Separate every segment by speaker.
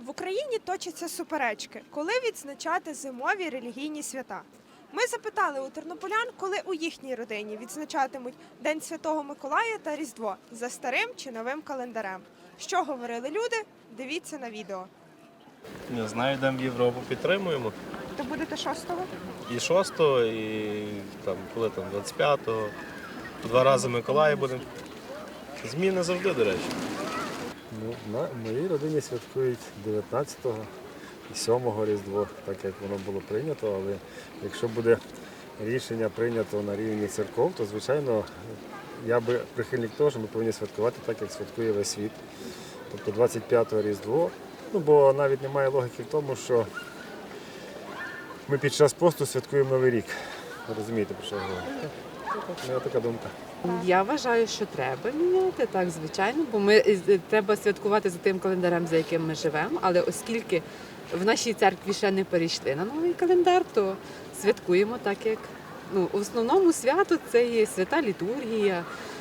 Speaker 1: В Україні точаться суперечки, коли відзначати зимові релігійні свята. Ми запитали у тернополян, коли у їхній родині відзначатимуть День Святого Миколая та Різдво за старим чи новим календарем. Що говорили люди? Дивіться на відео.
Speaker 2: Не знаю, йдемо в Європу, підтримуємо.
Speaker 1: То будете 6-го?
Speaker 2: І 6-го, і там, коли там 25-го. Два рази Миколая будемо. Зміни завжди, до речі.
Speaker 3: В моїй родині святкують 19-го і 7-го Різдво, так як воно було прийнято, але якщо буде рішення прийнято на рівні церков, то, звичайно, я би прихильник того, що ми повинні святкувати так, як святкує весь світ. Тобто 25-го Різдво, бо навіть немає логіки в тому, що ми під час посту святкуємо Новий рік. Ви розумієте, про що я говорю? Моя така думка.
Speaker 4: Я вважаю, що треба міняти, так, звичайно, бо треба святкувати за тим календарем, за яким ми живемо, але оскільки в нашій церкві ще не перейшли на новий календар, то святкуємо так, як в основному свято це є свята літургія.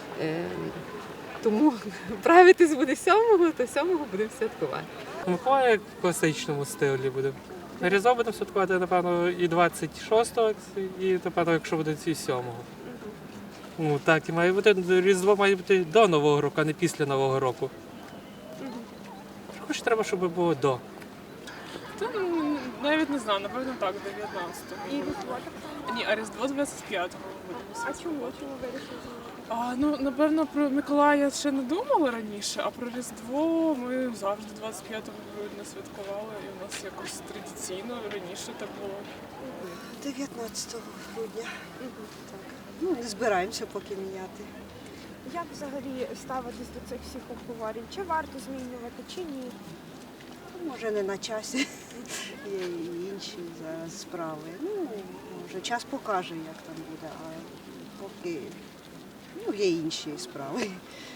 Speaker 4: Тому правитись буде 7-го, то 7-го будемо святкувати.
Speaker 5: Миколая в класичному стилі буде. Різдво будемо святкувати, напевно, і 26-го, і, напевно, якщо буде і 7-го. Ну, так, і має бути, Різдво має бути до Нового року, а не після Нового року. Хоч треба, щоб було до.
Speaker 6: Та, навіть не знаю, напевно так, 19-го.
Speaker 1: І Різдво так?
Speaker 6: Ні, а Різдво 25-го будемо
Speaker 1: А
Speaker 6: святкувати.
Speaker 1: чому вирішили?
Speaker 6: Напевно, про Миколая ще не думали раніше, а про Різдво ми завжди 25 грудня святкували, і у нас якось традиційно раніше так було.
Speaker 7: 19 грудня. Так. Не збираємося поки міняти.
Speaker 1: Як взагалі ставитись до цих всіх обговорень? Чи варто змінювати, чи ні?
Speaker 7: Може, не на часі. Є і інші зараз справи. Може, час покаже, як там буде, а поки є інші справи.